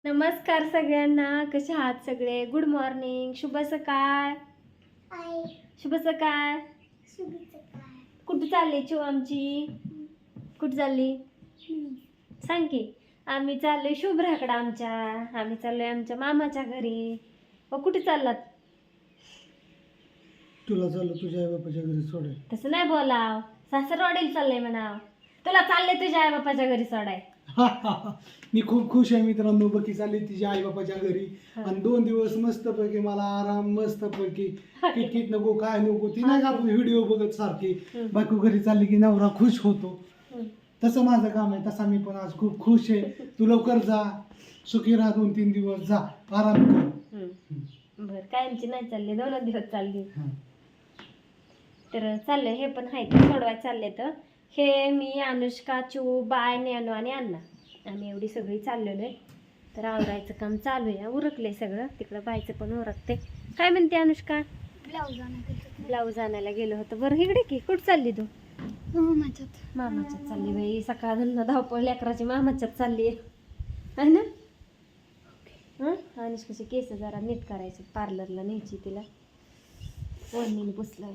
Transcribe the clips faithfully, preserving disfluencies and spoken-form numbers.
नमस्कार सगळ्यांना, कसे आहात सगळे? गुड मॉर्निंग, शुभ सकाळ. शुभ सकाळ. कुठे चालली चिव आमची? कुठे चालली सांग की. आम्ही चाललोय शुभ्राकडे आमच्या. आम्ही चाललोय आमच्या मामाच्या घरी. व कुठे चाललात? तुला चाललं तुझ्या आई बापाच्या घरी सोडाय. तसं नाही बोलाव, सासरवाडीला चाललंय म्हणाव. तुला चालले तुझ्या आई बापाच्या घरी सोडाय. मी खूप खुश आहे मित्रांनो. बकी चालली तिच्या आई बापाच्या घरी आणि दोन दिवस मस्त पैकी मला आराम, मस्त पैकी किटकिट नको काय नको ती नाही का आपण व्हिडिओ बघत सारखी बायको घरी चालली की नवरा खुश होतो. तसं माझं काम आहे. तसा मी पण आज खूप खुश आहे. तू लवकर जा, सुखी राहा, दोन तीन दिवस जा आराम कर. बर, कायमची नाही चालली, दोन दिवस चालली. तर चाललंय हे पण आहे ते सोडवाय चालले. तर हे मी, अनुष्का, चू, बाय, नेनू आणि अण्णा आम्ही एवढी सगळी चाललेलो आहे. तर आवरायचं काम चालू आहे. उरकले सगळं. तिकडं बायचं पण उरकते. काय म्हणते अनुष्का? ब्लाऊज आणायला ब्लाऊज आणायला गेलो होतं. बरं इकडे की, कुठं चालली तू? मामाच्यात. मामाच्यात चालली बाई. सकाळ धंदा धावपळ लेकराची मामाच्यात चालली आहे ना. हं, अनुष्काचे केस जरा नीट करायचे, पार्लरला न्यायची तिला. वहिनीने पुसलाय,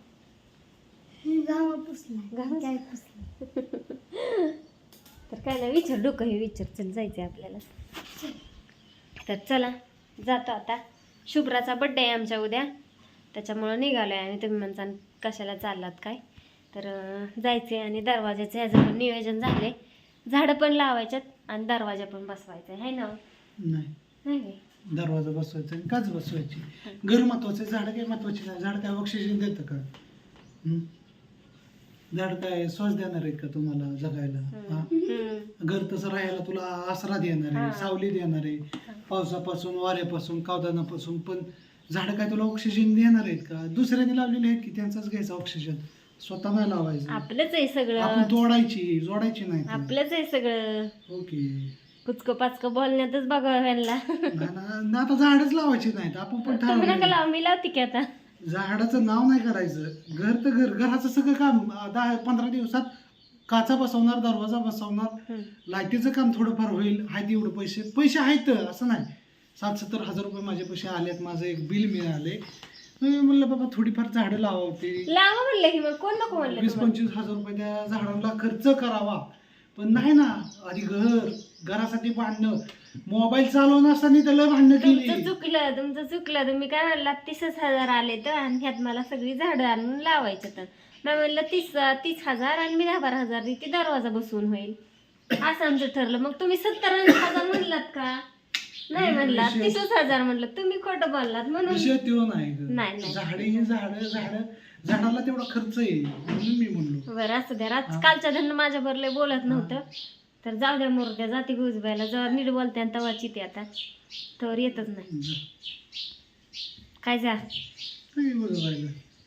गावा पुसलाय. गावात काय पुसलं? तर काय नाही, विचार डोकं हे विचार. चल जायचंय आपल्याला. तर चला जातो आता. शुभ्राचा बड्डे आहे आमच्या उद्या, त्याच्यामुळं निघालोय आणि तुम्ही म्हणता कशाला चाललात काय. तर जायचे आणि दरवाजाचं ह्याचं पण नियोजन झाले. झाडं पण लावायच्यात आणि दरवाजा पण बसवायचा आहे ना. नाही नाही दरवाजा बसवायचा आणि काच बसवायची. घर महत्वाचं, झाड काही महत्वाची नाही. झाड काय ऑक्सिजन देतं का? हम्म? झाड काय श्वास देणार आहेत का तुम्हाला जगायला? हा? घर तसं राहायला तुला आसरा देणार आहे, सावली देणार आहे, पावसापासून, वाऱ्यापासून, कावदानापासून. पण झाड काय तुला ऑक्सिजन देणार आहेत का? दुसऱ्याने लावलेले आहेत की त्यांचाच घ्यायचा ऑक्सिजन, स्वतः नाही लावायचं. आपलंच आहे सगळं. आपण तोडायची, जोडायची नाही. आपलंच आहे सगळं. ओके. कुचक पाचक बोलण्यातच बघा ह्यांना. आता झाडच लावायची नाहीत. आपण पण तुम्ही नका ठरवलं लावा, मी लावते की आता. झाडाचं नाव नाही करायचं. घर तर घर, घराचं सगळं काम दहा पंधरा दिवसात काचा बसवणार, दरवाजा बसवणार, लाईटीचं काम थोडंफार होईल. आहेत एवढं पैसे पैसे आहेत असं नाही. सात सत्तर हजार रुपये माझे पैसे आलेत. माझं एक बिल मिळाले. मी म्हणलं बाबा थोडीफार झाडं लावावी. लावा म्हणलं की, मग कोण नको म्हणलं वीस तुम्हाला? पंचवीस हजार रुपये त्या झाडांना खर्च करावा. पण नाही ना, आधी घर, घरासाठी भांडणं, मोबाईल चालवणं असताना त्याला भांडणं केली. तुमचं चुकलं, तुमचं चुकलं. तुम्ही काय म्हणला तीसच हजार आले तर, आणि ह्यात मला सगळी झाडं आणून लावायचं. तर मी म्हणलं तीस तीस हजार आणि मी दहा बारा हजार ती दरवाजा बसवून होईल असं आमचं ठरलं. मग तुम्ही सत्तर हजार म्हणलात का? नाही म्हणलात, तीसच हजार म्हणलं. तुम्ही खोटं बोललात म्हणून. विषय तो नाही. नाही, नाही. झाडे झाड झाड झाडाला तेवढा खर्च येईल म्हणून मी म्हणलो. बरं असं द्या. कालच्या धन माझ्या बरले बोलत नव्हतं. तर जाऊ द्या, मोर द्या, जाती गुजबायला. जेव्हा नीट बोलते आणि तेव्हा चिते आता तर येतच नाही. काय जा काय बरं राहिलं.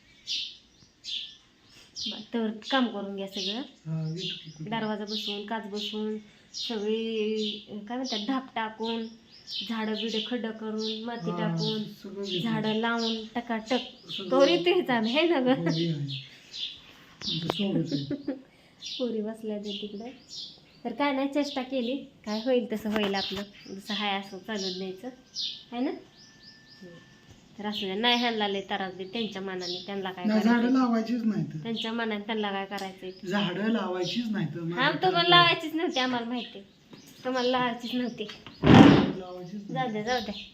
तर काम करून घ्या सगळं. हा, येतो की. दरवाजा बसवून, काच बसवून, सगळी काय म्हणतात ढाप टाकून, झाडं बिडं खड्ड करून, माती हा, टाकून, सगळं घेतो. झाडं लावून टकाटक तो येतेच आम्ही आहे ना ग. पोरी आहे. तुमचं सोडच आहे. पोरी बसल्या ते तिकडे. तर काय नाही, चेष्टा केली. काय होईल तसं होईल आपलं. जसं हाय असं चालून द्यायचं आहे ना. तर असं द्या. नाही ह्यांना लय त्रास दे त्यांच्या मनाने. त्यांना काय नाही, झाडं करायचं लावायचीच नाहीत. त्यांच्या मनाने, त्यांना काय करायचंय. झाडं लावायचीच नाहीत. हा, तुम्हाला लावायचीच नव्हती, आम्हाला माहिती. तुम्हाला लावायचीच नव्हती. लावायचीच जाऊ द्या, जाऊ द्या,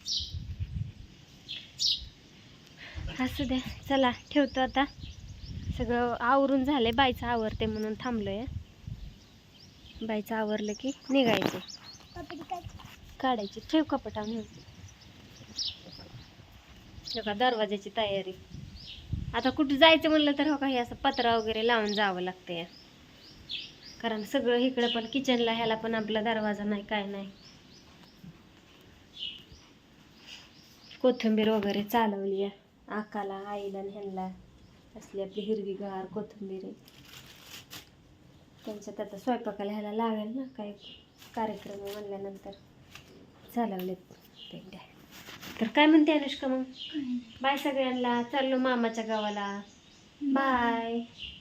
असू द्या. चला ठेवतो आता. सगळं आवरून झालंय. बाईचं आवरते म्हणून थांबलोय. बाईचं आवरलं की निघायचं, काढायची. ठेव कपट आणून. का दरवाजाची तयारी. आता कुठं जायचं म्हणलं तर हो काही असं पत्रा वगैरे लावून जावं लागतंय. कारण सगळं इकडं पण किचनला ह्याला पण आपला दरवाजा नाही, काय नाही. कोथिंबीर वगैरे चालवली आहे आकाला, आईला आणि ह्यांना. असली आपली हिरवीगार कोथिंबीर आहे. त्यांच्यात आता स्वयंपाकाला ह्याला लागेल ना, काही कार्यक्रम म्हणल्यानंतर चालवलेत पेंड्या. तर काय म्हणते अनुष्का मग? बाय सगळ्यांना. चाललो मामाच्या गावाला. बाय.